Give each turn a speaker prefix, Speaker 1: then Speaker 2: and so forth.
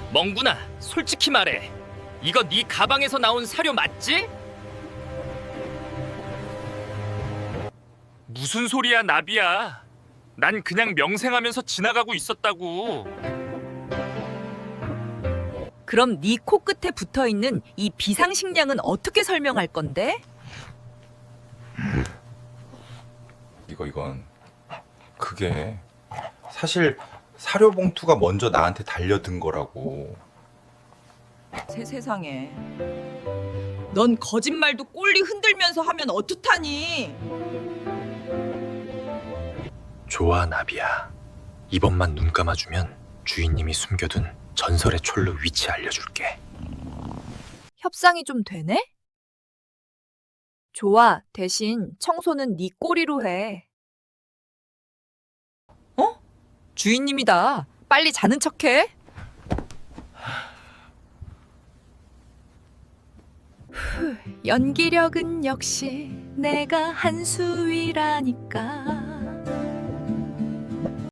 Speaker 1: 멍구나, 솔직히 말해. 이거 네 가방에서 나온 사료 맞지? 무슨 소리야, 나비야. 난 그냥 명생하면서 지나가고 있었다고.
Speaker 2: 그럼 네 코끝에 붙어있는 이 비상식량은 어떻게 설명할 건데?
Speaker 3: 이건 그게 사실 사료 봉투가 먼저 나한테 달려든 거라고.
Speaker 2: 세상에. 넌 거짓말도 꼴리 흔들면서 하면 어떡하니?
Speaker 4: 좋아, 나비야. 이번만 눈 감아주면 주인님이 숨겨둔 전설의 촐로 위치 알려줄게.
Speaker 2: 협상이 좀 되네? 좋아, 대신 청소는 네 꼬리로 해. 어? 주인님이다. 빨리 자는 척해. 연기력은 역시 내가 한 수위라니까.